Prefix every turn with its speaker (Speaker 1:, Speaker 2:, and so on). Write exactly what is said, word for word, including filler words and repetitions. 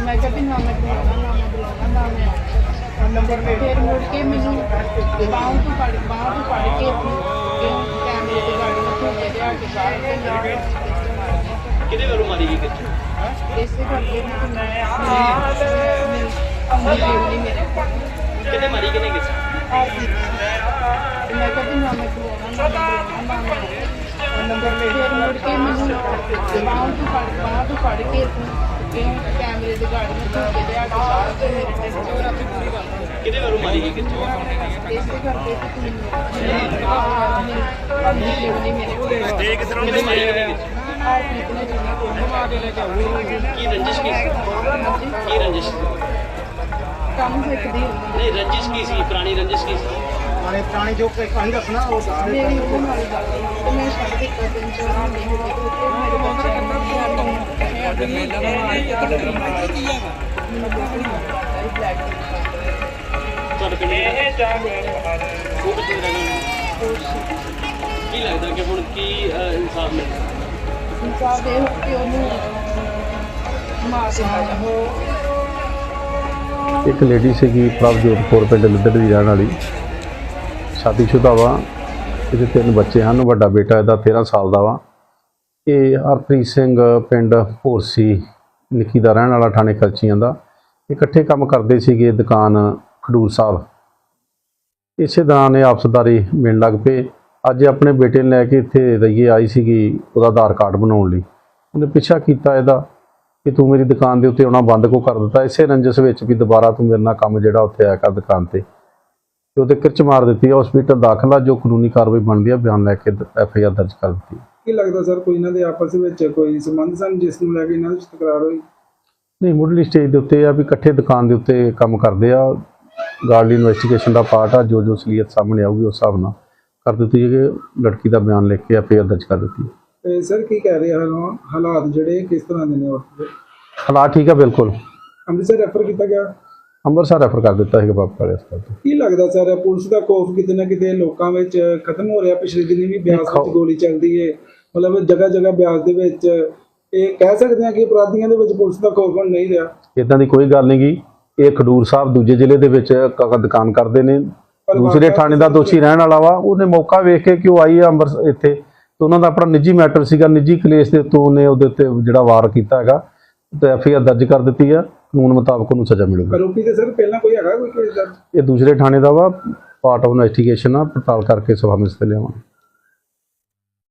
Speaker 1: मैं क्या भी ना मैं बुलाना ना मैं बुलाना ना मैं नंबर पे फिर मुड़ के मैनू बाहों तो फड़ बाहों तो फड़ के कैमरे की गाड़ी में धोखे लिया के बाहर के
Speaker 2: किहदे वल्लों मारी गई कित्थे
Speaker 1: इसे करके मेरे
Speaker 2: किहने मारी किहने कित्थे
Speaker 1: मैं क्या भी ना मैं बुलाना ना मैं बुलाना ना नंबर पे फिर मुड़ के मैनू बाहों तो फड़ बाहों तो फड़ के कैमरे की गाड़ी में धोखे लिया के बाहर के मेरे
Speaker 2: किहदे वल्लों मारी गई कित्थे
Speaker 1: इसे करके
Speaker 2: किहने मारी किहने कित्थे की रंजिश की की रंजिश
Speaker 1: काम सिखदी
Speaker 2: नहीं रंजिश की सी पुरानी रंजिश की सी
Speaker 3: पुराने पुरानी जो कहानी दसना वो
Speaker 1: मेरी ਉਹਦੇ ਨਾਲ ਗੱਲ ਹੋਈ ਤੇ ਮੈਂ ਛੱਡ ਦਿੱਤਾ ਤਿੰਨ ਚਾਰ ਮਹੀਨੇ ਹੋ ਗਏ ਤੇ ਮੇਰੇ ਬੱਚੇ ਨੂੰ
Speaker 2: ਤੁਹਾਡੇ ਪਿੰਡ ਇਹ ਜਾ ਉਹ ਕਿੱਥੇ ਰਹਿੰਦੇ ਕੀ ਲੱਗਦਾ ਕਿ ਹੁਣ ਕੀ ਇਨਸਾਫ ਮਿਲਦਾ
Speaker 1: ਇਨਸਾਫ ਦੇ ਕਿ ਉਹਨੂੰ ਮਾਰ ਦਿੱਤਾ ਜਾਵੇ
Speaker 4: ਇੱਕ ਲੇਡੀ ਸੀਗੀ ਪ੍ਰਭਜੋਤ ਕੌਰ ਪਿੰਡ ਲਿੱਦੜ ਦੀ ਰਹਿਣ ਵਾਲੀ ਸ਼ਾਦੀशुदा ਵਾ ਇਹਦੇ ਤਿੰਨ ਬੱਚੇ ਹਨ ਵੱਡਾ ਬੇਟਾ ਇਹਦਾ ਤੇਰ੍ਹਾਂ ਸਾਲ ਦਾ ਵਾ ਇਹ ਹਰਪ੍ਰੀਤ ਸਿੰਘ ਪਿੰਡ ਭੋਰਸੀ ਨਿੱਕੀ ਦਾ ਰਹਿਣ ਵਾਲਾ ਥਾਣੇ ਕਲਚੀਆਂ ਦਾ ਇਕੱਠੇ ਕੰਮ ਕਰਦੇ ਸੀਗੇ ਦੁਕਾਨ ਖਡੂਰ ਸਾਹਿਬ ਇਸੇ ਦੌਰਾਨ ਇਹ ਆਪਸਦਾਰੀ ਮਿਲਣ ਲੱਗ ਪਏ ਅੱਜ ਆਪਣੇ ਬੇਟੇ ਨੂੰ ਲੈ ਕੇ ਇੱਥੇ ਰਈਏ ਆਈ ਸੀਗੀ ਉਹਦਾ ਆਧਾਰ ਕਾਰਡ ਬਣਾਉਣ ਲਈ ਉਹਨੇ ਪਿੱਛਾ ਕੀਤਾ ਇਹਦਾ ਕਿ ਤੂੰ ਮੇਰੀ ਦੁਕਾਨ ਦੇ ਉੱਤੇ ਆਉਣਾ ਬੰਦ ਕਿਉਂ ਕਰ ਦਿੱਤਾ ਇਸੇ ਰੰਜਸ ਵਿੱਚ ਵੀ ਦੁਬਾਰਾ ਤੂੰ ਮੇਰੇ ਨਾਲ ਕੰਮ ਜਿਹੜਾ ਉੱਥੇ ਆਇਆ ਕਰ ਦੁਕਾਨ ਤੇ ਤੇ ਉਹਦੇ ਕਿਰਚ ਮਾਰ ਦਿੱਤੀ ਹਸਪੀਟਲ ਦਾਖਲਾ ਜੋ ਕਾਨੂੰਨੀ ਕਾਰਵਾਈ ਬਣਦੀ ਆ ਬਿਆਨ ਲੈ ਕੇ ਐਫ ਆਈ ਆਰ ਦਰਜ ਕਰ ਦਿੱਤੀ
Speaker 3: ਕੀ ਲੱਗਦਾ ਸਰ ਕੋਈ ਇਹਨਾਂ ਦੇ ਆਪਸ ਵਿੱਚ ਕੋਈ ਸੰਬੰਧ ਸਨ ਜਿਸ ਨੂੰ ਲੈ ਕੇ ਇਹਨਾਂ ਵਿੱਚ ਤਕਰਾਰ ਹੋਈ
Speaker 4: ਨਹੀਂ ਮੁੱਢਲੀ ਸਟੇਜ ਦੇ ਉੱਤੇ ਆ ਵੀ ਇਕੱਠੇ ਦੁਕਾਨ ਦੇ ਉੱਤੇ ਕੰਮ ਕਰਦੇ ਆ ਗਾਰਡਲੀ ਇਨਵੈਸਟੀਗੇਸ਼ਨ ਦਾ ਪਾਰਟ ਆ ਜੋ ਜੋ ਅਸਲੀਅਤ ਸਾਹਮਣੇ ਆਊਗੀ ਉਸ ਹਿਸਾਬ ਨਾਲ ਕਰ ਦਿੱਤੀ ਹੈ ਕਿ ਲੜਕੀ ਦਾ ਬਿਆਨ ਲਿਖ ਕੇ ਐਫ ਆਈ ਆਰ ਦਰਜ ਕਰ ਦਿੱਤੀ
Speaker 3: ਤੇ ਸਰ ਕੀ ਕਹਿ ਰਹੇ ਹਨ ਹਾਲਾਤ ਜਿਹੜੇ ਕਿਸ ਤਰ੍ਹਾਂ ਦੇ ਨੇ ਉਸ ਦੇ
Speaker 4: ਹਾਲਾਤ ਠੀਕ ਆ ਬਿਲਕੁਲ
Speaker 3: ਅੰਮ੍ਰਿਤਸਰ ਰੈਫਰ ਕੀਤਾ ਗਿਆ
Speaker 4: ਅੰਮ੍ਰਿਤਸਰ ਰੈਫਰ ਕਰ ਦਿੱਤਾ ਹੈਗਾ ਬਾਪ ਵਾਲੇ ਹਸਪਤਾਲ ਤੋਂ
Speaker 3: ਕੀ ਲੱਗਦਾ ਸਰ ਪੁਲਿਸ ਦਾ ਖੌਫ ਕਿਤੇ ਨਾ ਕਿਤੇ ਲੋਕਾਂ ਵਿੱਚ ਖਤਮ ਹੋ ਰਿਹਾ ਪਿਛਲੇ ਦਿਨੀ ਵੀ ਬਿਆਸ ਵਿੱਚ ਗੋਲੀ ਚੱਲਦੀ ਹੈ ਮਤਲਬ ਜਗ੍ਹਾ ਜਗ੍ਹਾ ਬਿਆਸ ਦੇ ਵਿੱਚ ਇਹ ਕਹਿ ਸਕਦੇ ਹਾਂ ਕਿ ਅਪਰਾਧੀਆਂ ਦੇ ਵਿੱਚ ਪੁਲਿਸ ਦਾ ਖੌਫ ਹੁਣ ਨਹੀਂ ਰਿਹਾ
Speaker 4: ਇਦਾਂ ਦੀ ਕੋਈ ਗੱਲ ਨਹੀਂ ਗੀ ਇਹ ਖਡੂਰ ਸਾਹਿਬ ਦੂਜੇ ਜ਼ਿਲ੍ਹੇ ਦੇ ਵਿੱਚ ਦੁਕਾਨ ਕਰਦੇ ਨੇ ਦੂਸਰੇ ਥਾਣੇ ਦਾ ਦੋਸ਼ੀ ਰਹਿਣ ਵਾਲਾ ਵਾ ਉਹਨੇ ਮੌਕਾ ਵੇਖ ਕੇ ਕਿ ਉਹ ਆਈ ਆ ਅੰਮ੍ਰਿਤਸਰ ਇੱਥੇ ਤੇ ਉਹਨਾਂ ਦਾ ਆਪਣਾ ਨਿੱਜੀ ਮੈਟਰ ਸੀਗਾ ਨਿੱਜੀ ਕਲੇਸ਼ ਦੇ ਉੱਤੋਂ ਉਹਨੇ ਉਹਦੇ ਉੱਤੇ ਜਿਹੜਾ ਵਾਰ ਕੀਤਾ ਹੈਗਾ ਤੇ ਐਫ ਆਈ ਆਰ ਦਰਜ ਕਰ ਦਿੱਤੀ ਆ ਕਾਨੂੰਨ ਮੁਤਾਬਕ ਉਹਨੂੰ ਸਜ਼ਾ ਮਿਲੂਗੀ
Speaker 3: ਆਰੋਪੀ ਤੇ ਸਰ ਪਹਿਲਾਂ ਕੋਈ ਹੈਗਾ ਕੋਈ ਕੇਸ ਦਰਜ
Speaker 4: ਇਹ ਦੂਸਰੇ ਥਾਣੇ ਦਾ ਵਾ ਪਾਰਟ ਆਫ ਇਨਵੈਸਟੀਗੇਸ਼ਨ ਆ ਪੜਤਾਲ ਕਰਕੇ ਸਭਾ ਵਿੱਚ ਲਿਆਵਾਂਗੇ